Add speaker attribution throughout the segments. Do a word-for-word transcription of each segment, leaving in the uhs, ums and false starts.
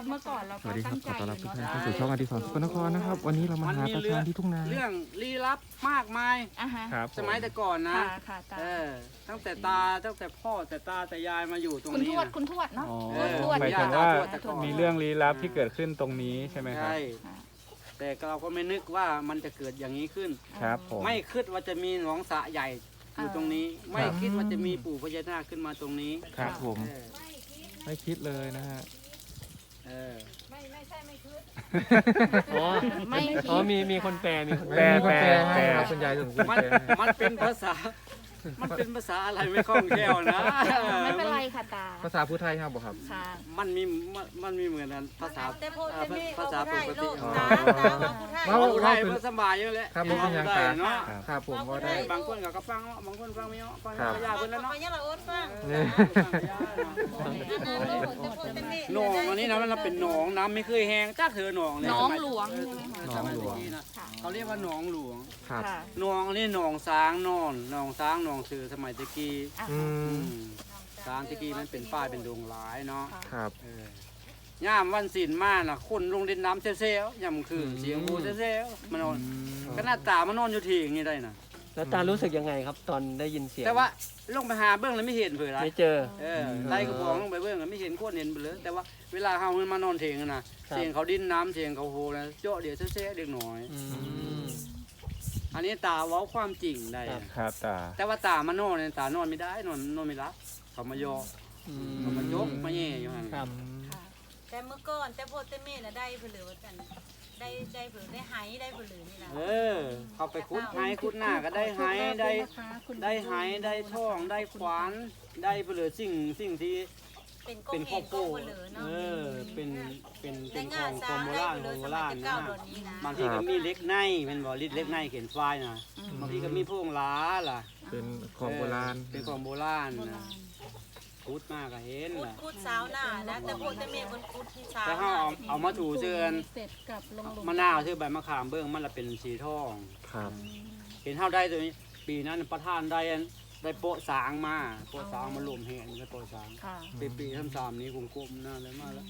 Speaker 1: เมื่อก่อนเรา
Speaker 2: สวัสดีครับขอต้อนรับทุกท่าน
Speaker 1: ตั้
Speaker 2: เข้าง สู่ช่องอดิศรสกลนครนะครับวันนี้เรามาหาตาชาญที่ทุ่งนา
Speaker 3: เรื่องลี้ลับมากมาย
Speaker 1: อ่ะฮะ
Speaker 2: ครับ
Speaker 3: สมัยแต่ก่อนนะ
Speaker 1: ค่ะค่ะตา
Speaker 3: เออตั้งแต่ตาตั้งแต่พ่อแต่ตาแต่ยายมาอยู่ตรง
Speaker 1: คุณ
Speaker 3: นี้
Speaker 1: ทวด
Speaker 3: นะ
Speaker 1: คุณทวดเนาะ
Speaker 4: อ๋อ
Speaker 3: เออ
Speaker 1: ทวด
Speaker 4: หมาย
Speaker 1: ย่
Speaker 4: ถึงว่า
Speaker 3: ทวดแต่ก่อน
Speaker 4: มีเรื่องลี้ลับที่เกิดขึ้นตรงนี้ใช่ไหมครับ
Speaker 3: ใช่แต่เราก็ไม่นึกว่ามันจะเกิดอย่างนี้ขึ้น
Speaker 4: ครับผม
Speaker 3: ไม่คิดว่าจะมีหนองสระใหญ่อยู่ตรงนี้ ไม่คิดว่าจะมีปู่พญานาคขึ้นมาตรงนี้
Speaker 4: ครับผม
Speaker 3: เออ
Speaker 4: ไม่คิดเลยนะฮะ
Speaker 3: เออ
Speaker 4: อ๋อ
Speaker 1: ไม่
Speaker 4: อ๋อ
Speaker 1: คิด
Speaker 4: มีมีคนแปลมีคน
Speaker 2: แปล
Speaker 4: แปล
Speaker 2: แปล
Speaker 4: แปล
Speaker 2: ให้ครับคุณยายสมควร
Speaker 3: มัน
Speaker 2: แปลให้
Speaker 3: มันเป็นภาษา มันเป็นภาษาอะไรไม่คล่องแคล่วนะ
Speaker 1: ไม่เป็นไรค่ะตา
Speaker 2: ภาษาพูดไทยครับบอกครับ
Speaker 1: ค่ะ
Speaker 3: มันมีมันมันมีเหมือนกันภาษา
Speaker 5: แต่พูด
Speaker 3: เอ่อ
Speaker 5: แต่นี่
Speaker 3: ภาษาปกติ
Speaker 5: พูด
Speaker 3: อ๋อ
Speaker 5: ไทยลูกตาตาว่าพูดไทย
Speaker 2: เว้า
Speaker 3: พูดไทยมันสบายอยู่แล้ว
Speaker 2: ครับผมเป็นอย่าง
Speaker 3: ได้
Speaker 2: ตา
Speaker 3: เนาะ
Speaker 2: ครับผมว่าได้
Speaker 3: บางคนก็ฟังเนาะบางคนฟังไม่เนาะฟัง
Speaker 2: ครับ
Speaker 3: ก็ยากเพิ่นแล้ว
Speaker 5: ไป
Speaker 3: เนาะ
Speaker 5: ยังละโอ๊ตฟัง
Speaker 2: เนี่ย
Speaker 3: หนองอันนี้นะมันเป็นหนองน้ำไม่เคยแห้งจักเถอหนองเนี่ย
Speaker 1: น้อง
Speaker 3: สมัย
Speaker 1: หลวงใช่ไหมคะ
Speaker 3: สมัยนี้นะเขาเรียกว่าหนองหลวง
Speaker 2: ครับ
Speaker 1: ค่ะ
Speaker 3: หนองอันนี้หนองช้างนอนหนองช้างหนองเสือสมัยตะกี้
Speaker 1: อ่ะ
Speaker 2: อื
Speaker 3: อื
Speaker 2: ม
Speaker 3: มช้างตะกี้มันเป็นป้ายเป็นดงหลายเนาะ
Speaker 1: ค่ะ
Speaker 2: ครับ
Speaker 3: เออย่ามวันศีลมาน่ะคนลงเล่นน้ำเซลๆย่ำคือเสียงหูเซลๆมานอนก็หน้าตามานอนอยู่ที่อย่างนี้ได้น่ะ
Speaker 6: แล้วตารู้สึกยังไงครับตอนได้ยินเสียง
Speaker 3: แต่ว่าลงไปหาเบื้องแล้วไม่เห็นเผื่อไร
Speaker 6: ไม่เจอ
Speaker 3: เออไล่กระบองลงไปเบื้องแล้วไม่เห็นโคตรเห็นไปเลยแต่ว่าเวลาเฮามันมานอนเถียงกันน่ะ
Speaker 6: ครับ
Speaker 3: เสียงเขาดิ้นน้ำเสียงเขาโหนะเจาะเดี๋ยวเซ่ๆเด็กหน่อย
Speaker 6: อืม
Speaker 3: อันนี้ตาเว้าความจริงได้
Speaker 6: ครับ
Speaker 4: ครับตา
Speaker 3: แต่ว่าตามานอนเนี่ยตานอนไม่ได้นอนนอนไม่รับเขามายอ
Speaker 6: อื
Speaker 3: เขามายกมาแย่อยู่หั่น
Speaker 6: ครับ
Speaker 1: ค่ะ
Speaker 5: แต่เมื่อก่อนแต่พูดแต่เม่น่ะได้เผือเหลือกัน ได้ได้เผือได้ไหได้เผือเหลือนี่นะ
Speaker 3: เออ เขาไปคุดไห้คุดหน้าก็ได้ไห้ได้ได้ไห้ได้ท่องได้ขวานได้ไปเหลือสิ่งสิ่งที่
Speaker 5: เป็นก
Speaker 3: เป็น
Speaker 5: ง
Speaker 3: ข้
Speaker 5: เห็
Speaker 3: อน โพ
Speaker 5: กง
Speaker 3: ด
Speaker 5: เผือเหลือเนาะ
Speaker 3: เออเป็นเป็นเป็
Speaker 5: ได้
Speaker 3: นข
Speaker 5: งา
Speaker 3: อน ง
Speaker 5: ซา
Speaker 3: โบ
Speaker 5: ได้
Speaker 3: ราณ
Speaker 5: เผือ
Speaker 3: โบ
Speaker 5: สมั
Speaker 3: ราย ณ
Speaker 5: แต่
Speaker 3: นะ
Speaker 5: เก้าดอนนี้นะ
Speaker 3: บางทีก็มีเล็กในเป็นบ่ลิดเล็กในเขียนฝ้ายนะบางทีก็มีพวงล้าล่ะ
Speaker 2: เป็นของโบราณ
Speaker 3: เป็นของโบราณ
Speaker 1: โบ
Speaker 3: นะ
Speaker 1: ราณ
Speaker 3: คุดมากก็เห็น
Speaker 5: พูด
Speaker 3: ล่ะ
Speaker 5: พูดสาวหน้านะแต่พูดแต่เม่บนพูดที่สาว
Speaker 3: แต่
Speaker 5: ห
Speaker 3: เขา
Speaker 5: น้า
Speaker 3: เอาเอามาถูเชือน
Speaker 1: เสร็จกับลงหลุ
Speaker 3: มะนาวชื่อใบมะขามเบิ้งมันละเป็นสีทอง
Speaker 2: ครับ
Speaker 3: เห็นเท่าได้ตัวนี้ ปีนั้นประธานได้อันได้โปะสางมาโปะสางมารวมแห่งได้โปะสาง
Speaker 1: ค่ะ
Speaker 3: ปีปีทั้งสามนี้กลมๆน่าเลยมากแล้ว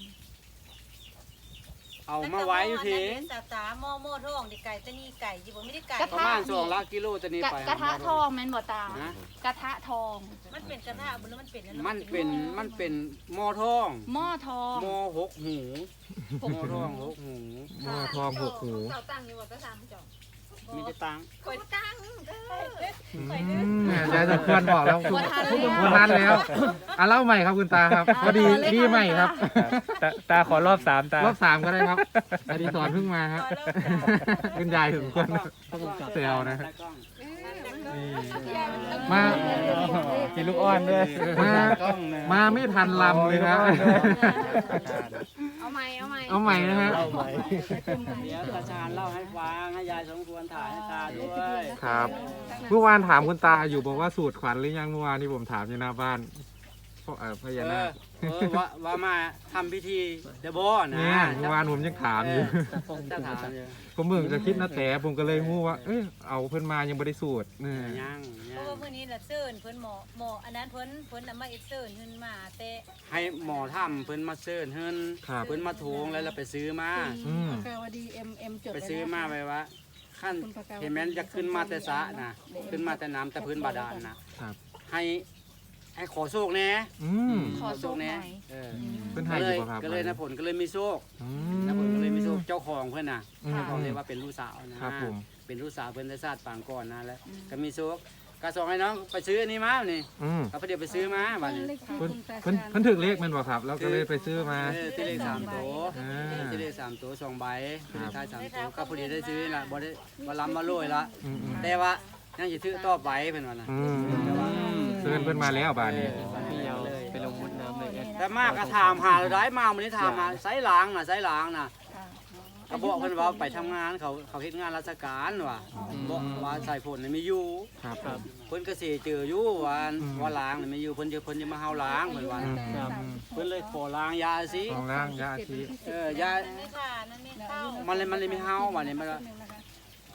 Speaker 3: เอามาไว้อยู่ที
Speaker 5: สาตาหม้อหม้อทองดิไก่ตะนี่ไก่จิบ่ไม่ได้ไก่
Speaker 3: ประมาณสองละกิโลจะนี่
Speaker 1: กระ
Speaker 3: ไป
Speaker 1: กระทะทองแม่นบ่ตา
Speaker 3: นะ
Speaker 1: กระทะทอง
Speaker 5: มันเป็นกระทะบ่หรือมันเป็นอั
Speaker 3: มันเป็นมันเป็นหม้อทอง
Speaker 1: หม้อทอง
Speaker 3: หม้อหกหูหม้อทองหกหู
Speaker 2: หม้อทองหกหู
Speaker 5: เขาตั้งอยู่ว่าก็ทำจ่อ
Speaker 3: มีแต่ตังค์
Speaker 5: คอยตั้งเด้อ
Speaker 2: อืมเนี่ยยายสมควรบอกแล้วคุณ
Speaker 1: บ่ทันแล้ว
Speaker 2: คุณทันแล้วอ่ะเล่าใหม่ครับคุณตาครับพอดี
Speaker 1: เอาเลย
Speaker 2: พี่
Speaker 1: ค่ะ
Speaker 2: ใหม่ครับ
Speaker 4: ตาตาขอรอบสามตาร
Speaker 2: อบสามก็ได้ครับอดิศรเพิ่งมาครับ คุณยายสมควรเซลนะฮะนี่มา
Speaker 4: มีลูกอ้อนด้วย
Speaker 2: มามาไม่ทันลำเลยนะ
Speaker 1: เอาใหม่เอาใหม่
Speaker 2: เอาใหม่นะฮะ
Speaker 6: เล่าใหม่
Speaker 3: เดี๋ยวตาชาญเล่าให้ฟังให้ยายสมควรถ่ายให้ตาด้วย
Speaker 2: ครับ เมื่อวานถามคุณตาอยู่บอกว่าสูตรขวัญหรือยังเมื่อวานที่ผมถามอยู่หน้าบ้านพ่อเอ่อพ
Speaker 3: เอ
Speaker 2: ญานา
Speaker 3: อ
Speaker 2: ค
Speaker 3: เออว่าว่ามาทำพิธีเดบอนะ
Speaker 2: เนี่ยเมื่อวานผมยังถามอยู่
Speaker 3: จะถามอยู่
Speaker 2: ผมเบิ่งจะคิดนะแต่ผมก็เลยงูว่า เอ้ยเอาเพิ่นมายังบ่ได้สูตรนี่
Speaker 3: ยัง
Speaker 5: เพ
Speaker 3: ยั
Speaker 5: ราะ
Speaker 3: ง
Speaker 5: ว่ามื้อนี้น่ะเซิร์นเพิ่นหมอหมออันนั้นเพิ่นเพิ่นน่ะมาเอ็กเซิร์นขึ้นมาแต่
Speaker 3: ให้หมอทำเพิ่นมาเซิร์นเฮิน
Speaker 2: ครับ
Speaker 3: เพิ่นมาโถงแล้วเราไปซื้อมา
Speaker 2: อืม
Speaker 1: กาวดีเอ็มเอ็มจด
Speaker 3: ไปซื้อมาไว้ว่าขั้นเห็นแม้นจะขึ้นมาแต่สระนะขึ้นมาแต่น้ำแต่พื้นบาดาลนะครับ ให้ให้ขอโชคแน่
Speaker 2: อืม
Speaker 1: ขอโชคหน่อย
Speaker 3: เออ
Speaker 2: เพิ่น
Speaker 3: ก็
Speaker 2: ให้
Speaker 3: เล
Speaker 2: อยู่
Speaker 3: ย
Speaker 2: บ่ครับ
Speaker 3: ก็เลยนะผลก็เลยมีโชค
Speaker 2: อื
Speaker 3: นะผลก็เลยมีโชค
Speaker 2: ม
Speaker 3: เจ้าของเพื่อนน่ะ
Speaker 2: อืม
Speaker 3: เขาเรียกว่าเป็นลูกสาวนะครับ
Speaker 2: ผม
Speaker 3: เป็นลูกสาวเพื่อนได้ชาติปางก่อนนะแล้วก็มีโชคก็ส่งให้น้องไปซื้ออันนี้มานี่
Speaker 2: อืม
Speaker 3: เขาไปเดี๋ยวไปซื้อมาบัดนี้
Speaker 2: เพิ่นเพิ่นเพิ่นถึกเลขแมันบ่ครับ แล้วก็เลยไปซื้อมา
Speaker 3: เออที่เลขสามตัว
Speaker 2: อ่า
Speaker 3: ที่เลขสามตัวสองใบ
Speaker 2: ครับ
Speaker 3: ท้ายสามตัวก็พอดีได้ซื้อละบ่ได้บ่ล้ำมาโรยละ
Speaker 2: อืมอืม
Speaker 3: แต่ว่ายังจะถือต่อไปเป็นวันน่ะ
Speaker 2: อืมเชิญเพิ่นมาแล้วบาดนี้
Speaker 6: พี่ยาวไปลงมุดน้ำเลยแอด
Speaker 3: แต่มากก็ถามหาได้มาวันนี้ถามมาไซล้างน่ะไซล้างน่ะ
Speaker 1: ค่ะ
Speaker 3: ก็บอกเพิ่นว่าไปทำงานเขาเขาเฮ็ดงานราชการว่ะบอกว่าใส่ผลนี่มีอยู่
Speaker 2: ครับ
Speaker 6: ครับ
Speaker 3: เพิ่นก็สิเจออยู่ว่า
Speaker 2: อืม
Speaker 3: ว่าล้างนี่มีอยู่เพิ่นจะเพิ่นจะมาเฮาล้างเพิ่นว่า
Speaker 2: อืม
Speaker 6: ครับ
Speaker 3: เพิ่นเลยขอล้างยาสิ
Speaker 2: ของล่างยาชี
Speaker 3: เออยา
Speaker 5: นั่นไม่ค่ะนั่นไม่เข้า
Speaker 3: มันเลยมันเลยไม่เฮาว่านี่มันว่า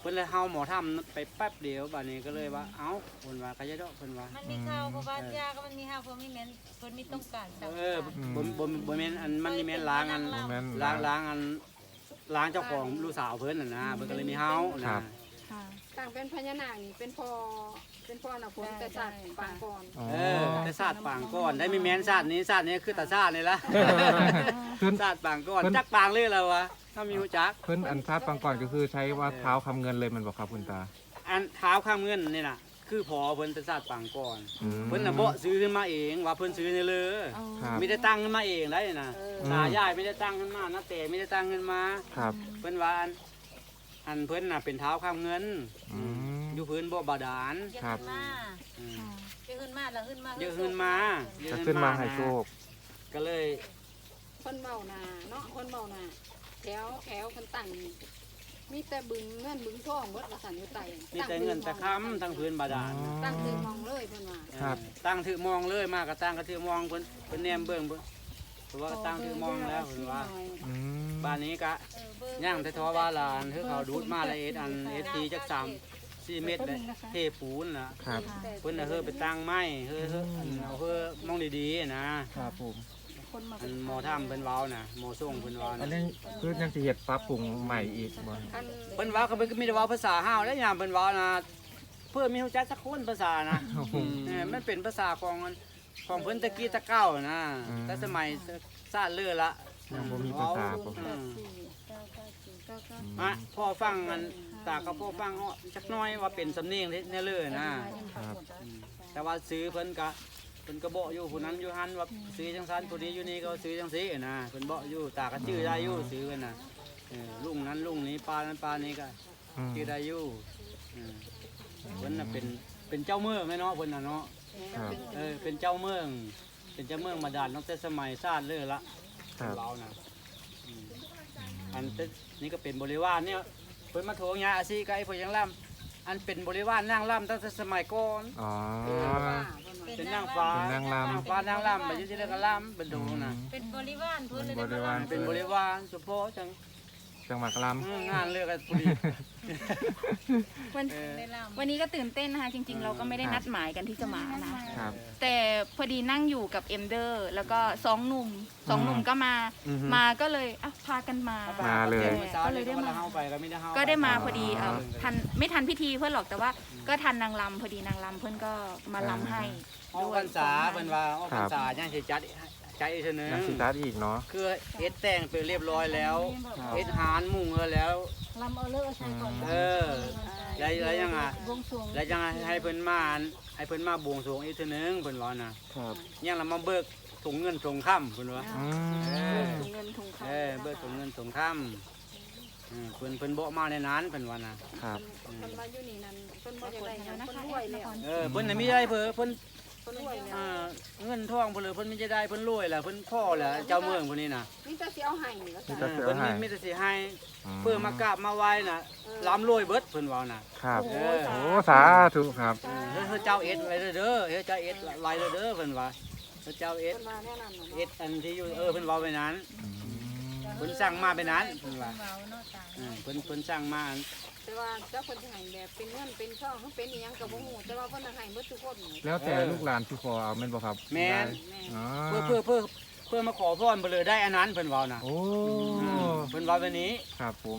Speaker 3: เพิ่นเลยเฮาหมอทำไปแป๊บเดียวบัดนี้ก็เลยว่าเอ้าเพิ่นว่าก็จะดอกเพิ่นว่า
Speaker 5: มันมีข่าวเพราะว่ายาก็มันมีข่าวเพราะมีแม่นเพิ่นมีต้องการสั่ง
Speaker 3: เออบ่บ่บ่แม่นอันมันนี่แม่นล้างอัน
Speaker 2: บ่แม่น
Speaker 3: ล้างล้างอันล้างเจ้าของลูกสาวเพิ่นน่ะนะเพิ่นก็เลยมีเฮา
Speaker 2: ครั
Speaker 3: นะ
Speaker 2: บ
Speaker 1: ต่างเป็นพญานาคนี่เป็นพอเป็นพอน่ะผมแต่สัตว์ปางก่อน
Speaker 2: อ๋อ
Speaker 3: เออแต่ศาสตร์ปางก่อนได้มีแม่นศาสตร์นี้ศาสตร์นี้คือตาศาสตร์นี่ละ
Speaker 2: เพิ่น
Speaker 3: ศาสตร์ปางก่อน
Speaker 2: เพิ่น
Speaker 3: จักปางเลยแล้ววะถ้ามีหูจัก
Speaker 2: เพิ่นอันซาดปังก่อนก็คือใช้ว่าเท้าคำเงินเลยมันบอกครับคุณตา
Speaker 3: อันเท้าข้ามเงินนี่น่ะคือพอเพิ่นแต่ศาสตร์ปางก่อน
Speaker 2: อืม
Speaker 3: เพิ่นน่ะบ่ซื้อขึ้นมาเองว่าเพิ่นซื้อนี่เลย
Speaker 2: ครับ
Speaker 3: ไม่ได้ตั้งขึ้นมาเองได้น่ะ
Speaker 2: ม
Speaker 3: ตายายไม่ได้ตั้งขึ้นมาน้าแต่ไม่ได้ตั้งขึ้นมา
Speaker 2: ครับ
Speaker 3: เพิ่นว่าอันอันเพิ่นน่ะเป็นเท้าข้ามเงิน
Speaker 2: อืม
Speaker 3: อยู่พื้นบ่บาดาล
Speaker 5: เยอะ
Speaker 2: ครับ
Speaker 5: ขึ้นมา
Speaker 3: อืม
Speaker 5: เยอะขึ้นมาแล้วขึ้นมา
Speaker 3: เยอะขึ้นมา
Speaker 2: จะขึ้นมาให้โชค
Speaker 3: ก็เลย
Speaker 1: คนเมานาเนาะคนเมานาแถวแถวคนตั้งมีแต่บึงเงินบึงทองเบิดว่าสันอยู่ไต
Speaker 3: มีแต่เงินแต่ค้ำทั้งพื้นบาดาล
Speaker 1: ตั้งถือมองเลยเพิ่นว่า
Speaker 2: ครับ
Speaker 3: ตั้งถือมองเลยมากก็ตั้งก็ถือมองเพิ่นเพิ่นแนมเบิ่งเพิ่นเพราะว่าตั้งถือมองแล้วเพิ่นว่า
Speaker 2: อืม
Speaker 3: บ้านนี้ก็
Speaker 5: เออเบอร์
Speaker 3: ย่างแต่ทอว่าลานคือเขาดูดมาละเอ็ดอันเอสทีจักสามสี่เมตรเลยเทปูนน่ะ
Speaker 2: ครับ
Speaker 3: เพิ่นน่ะเฮ้อไปตั้งไม้เฮ้อเฮ้ออันเอาเฮ้อมองดีๆนะครับ
Speaker 4: ผม
Speaker 1: คนมา
Speaker 3: อันหมอทํเพิ่นเว้าน่ะหมอส่งเพิ่นเว้า
Speaker 2: อัน
Speaker 3: น่ะ
Speaker 2: นี้คือยังสิเฮ็ดปรับปรุงใหม่อีกบ่
Speaker 1: อัน
Speaker 3: เพิ่นเว้าก็เพิ่นก็มีแต่เว้าภาษาห้าวแล้วยามเพิ่นเว้านะเพื่อมีฮู้จักสักคนภาษานะ เออมันเป็นภาษาของมันของเพิ่นตะกี้ตะเก้านะ
Speaker 2: อืม
Speaker 3: แต่สมัยซาดเลือละ
Speaker 2: ยังบ่มีภาษาบ่
Speaker 3: อืม
Speaker 1: เก้าเก้าสี่เก้าเก้า
Speaker 3: อ่ะพ่อฟังมันตาก็พ่อฟังอ้อจักหน้อยว่าเป็นสำเนียงเนี่ยเลยนะครับ อืมแต่ว่าซื้อเพิ่นก็เพิ่นก็บอกอยู่ผู้นั้นอยู่หันว่าซื้อจังซั่นผู้นี้อยู่นี่ก็ซื้อจังซี่นะเพิ่นบอกอยู่ตาก็ชื่อได้อยู่ซื้อกันน่ะเออลุงนั้นลุงนี้ปลานั้นปลานี้ก็
Speaker 2: อืม
Speaker 3: ชื่อได้อยู่อืมเพิ่นน่ะเป็นเป็นเจ้าเมืองแม่เนาะเพิ่นน่ะเนาะ
Speaker 2: ครับ
Speaker 3: เออเป็นเจ้าเมือง เป็นเจ้าเมืองมาดานตั้งแต่สมัยซาดเลยละ
Speaker 2: ครับ
Speaker 3: เรานะอืมอันแต่นี่ก็เป็นบริวารเนี่ยเพิ่นมาโถงยาอาซีไกเพิ่นยังล่ำอันเป็นบริวารนางล่ำตั้งแต่สมัยก่อน
Speaker 2: อ๋อ
Speaker 3: เป็นนางฟ้า
Speaker 2: เป็นนางรำ
Speaker 3: นางฟ้านางล่ำไปอยุ่ที่เรียกกันล่ำเป็นดูนะ
Speaker 5: เป็นบริวารเพิ่นเลย
Speaker 2: เป็นบริวาร
Speaker 3: เป็นบริวารเฉพาะจัง
Speaker 2: จังหวัดล
Speaker 3: อืมงานเลือกกันพอดี
Speaker 7: วัน
Speaker 3: เออ
Speaker 5: ได้ลำ
Speaker 7: วันนี้ก็ตื่นเต้นนะคะ จริง ๆ เราก็ไม่ได้นัดหมายกันที่จะมานะ
Speaker 2: ำครับ
Speaker 7: แต่พอดีนั่งอยู่กับเอ็มเดอร์ แล้วก็สองหนุ่มสองหนุ่มก็มา
Speaker 2: อือฮึ
Speaker 7: มาก็เลยอ่ะพากันมา
Speaker 2: มาเลย
Speaker 7: ก็เลยได้มา
Speaker 3: เฮาไปก็ไม่ได้เฮา
Speaker 7: ก็ได้มาพอดีเอ่อทันไม่ทันพิธีเพื่อนหรอกแต่ว่าก็ทันนางลำพอดีนางลำเพื่อนก็มาลำให้
Speaker 3: ออกพรรษาเพิ่นว่าออกพรรษายังสิจัดใจอีกเทื่อนึง
Speaker 2: ยังสิตัดอีกเนาะ
Speaker 3: คือเอ็ดแต่งไปเรียบร้อยแล้วเอ็ดหานมุ่งเออแล้ว
Speaker 1: ลำเอาเลิกเอาใช้ก่อน
Speaker 3: เออแล้วแล้วยังไง
Speaker 1: วงสรวง
Speaker 3: แล้วยังไงให้เพิ่นมาอันให้เพิ่นมาบวงสรวงอีกเทีนึงเพิ่นว่านะครับ ยังละมาเบิกถุงเงินถุงค่ำเพิ่นว่า
Speaker 2: อื
Speaker 3: เอ
Speaker 2: ม
Speaker 3: อ
Speaker 1: ถุงเงินถุงคำ
Speaker 3: เออเบิกถุงเงินถุงค่ำเออเพิ่นเพิ่นบ่มาในนั้นเพิ่นว่านะครับ
Speaker 1: คนมาอยู่นี่นั่นเพิ่นบ่อยากได้หยังเพิ่นรวยแล้ว
Speaker 3: เออเพิ่นน่ะมีได้เพิ่นเพิ่น
Speaker 1: เพิ่นรวยแล้ว
Speaker 3: อ่าเงินทองเพิ่นเลยเพิ่นมีจะได้เพิ่นรวยแหละเพิ่นพ่อแหละเจ้าเมืองพวกนี้น่ะ
Speaker 1: นี่จะสิเอาให้แล้ว
Speaker 2: นี่
Speaker 1: จ้ะ
Speaker 2: จะ
Speaker 3: เออเพิ่นมีมีแต่สิให้
Speaker 2: อืม
Speaker 3: เพื่อมากราบมาไหว้น่ะล้ำรวยเบิดเพิ่นว่าน่ะ
Speaker 2: ครับ
Speaker 3: เออ
Speaker 2: โอ้สาธุครับ
Speaker 3: เออเฮ้ยเจ้าเอ็ดไว้เด้อเฮ้ยเจ้าเอ็ดไว้เด้อเพิ่นว่าเฮ้ยเจ้าเอ็ด
Speaker 1: เพิ่นว่าแน่นอนเนาะ
Speaker 3: เอ็ดอันที่อยู่เออเพิ่นเว้าไปนั้น
Speaker 2: อืม
Speaker 3: เพิ่นสั่งมาไปนั้นเพิ่นว่า
Speaker 5: เมาเนาะตา
Speaker 3: เออเพิ่นเพิ่นสั่งมาอัน
Speaker 1: แต่ว่าเจ้าเพิ่นสิให้แบบเป็นเงินเป็นทองหรือเป็นอีหยังก็บ่ฮู้แต่ว่าเพิ่นน่ะให้เบิดทุกคน
Speaker 2: แล้วแต่ลูกหลานที่ขอเอาแม่นบ่ครับ
Speaker 3: แม่น
Speaker 2: อ๋อ
Speaker 3: เพื่อเพื่อเพื่อเพื่อมาขอพรเพิ่นเลยได้อันนั้นเพิ่นเว้าน่ะ
Speaker 2: โอ้
Speaker 3: อืมเพิ่นเว้าแบบนี้
Speaker 2: ครับผม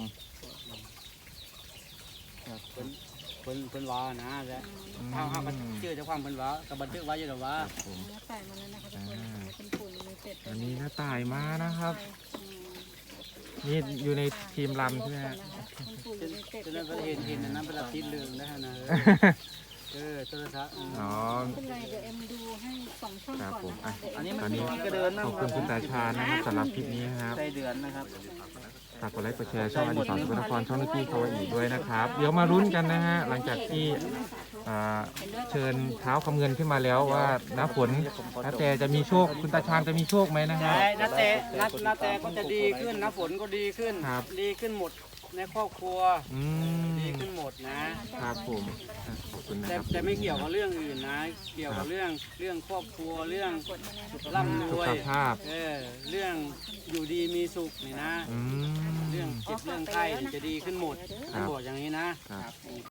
Speaker 3: เพิ่นเพิ่นเพิ่นเว้านะแต่
Speaker 2: อืม
Speaker 3: เฮาเฮาก็ชื่อเจ้าความเพิ่นเว้าก็บันทึกไว้อยู่ดอกว่า
Speaker 2: ผม
Speaker 1: ใส่มาแล้วนะคะทุกคนเป็นฝุ่นมีเป็ด
Speaker 2: อันนี้น้าตายมานะครับ นี่อยู่ในทีมลำใช่ไหมฮะ
Speaker 3: จนจนนั้นเพิ่นเห็นเห็นอันนั้นเพิ่นละติดเรื่องนะฮะนะเออโทรศัพท์อืม
Speaker 2: อ๋อ
Speaker 1: เป็นไรเดี๋ยวเอ็มดูให้สองช่อง
Speaker 2: ครับ
Speaker 1: ก่อน
Speaker 2: ผม
Speaker 1: นะ
Speaker 2: อ่ะ
Speaker 1: คะ
Speaker 3: อันนี้มัน
Speaker 2: ตอนนี้
Speaker 3: มีกระเดินนะ
Speaker 2: ขอบคุณคุณตาชาญนะครับสำหรับคลิปนี้นะครับ
Speaker 3: ใส่เดือนนะครับ
Speaker 2: ฝากกดไลค์กดแชร์ช่องอดีตสอนสุนทรช่องนุกี้เขาอีกด้วยนะครับ เดี๋ยวมารุ้นกันนะฮะหลังจากที่อ่าเชิญเท้าคำเงินขึ้นมาแล้วว่าน้าฝนน้าแต่จะมีโชคคุณตาชาญจะมีโชคไหมนะฮะ
Speaker 3: ใช่นาแต่นานาแต่ก็จะดีขึ้นนะฝนก็ดีขึ้น
Speaker 2: ครับ
Speaker 3: ดีขึ้นหมดในครอบครัว
Speaker 2: อืม
Speaker 3: ดีขึ้นหมดนะครับ
Speaker 2: ผมอ่ะขอบคุณนะ
Speaker 3: แต่
Speaker 2: ครับ
Speaker 3: แต่ไม่เกี่ยวกับเรื่องอื่นนะ เกี่ยวกับเรื่องเรื่องครอบครัวเรื่องร่ำร
Speaker 2: สุ
Speaker 3: ว
Speaker 2: ข
Speaker 3: ย
Speaker 2: ภาพ
Speaker 3: เออเรื่องอยู่ดีมีสุขนี่นะ
Speaker 2: อืม
Speaker 3: เรื่องเจ็บเรื่องไข้จะดีขึ้นหมดท่านบอกอย่างนี้นะครับ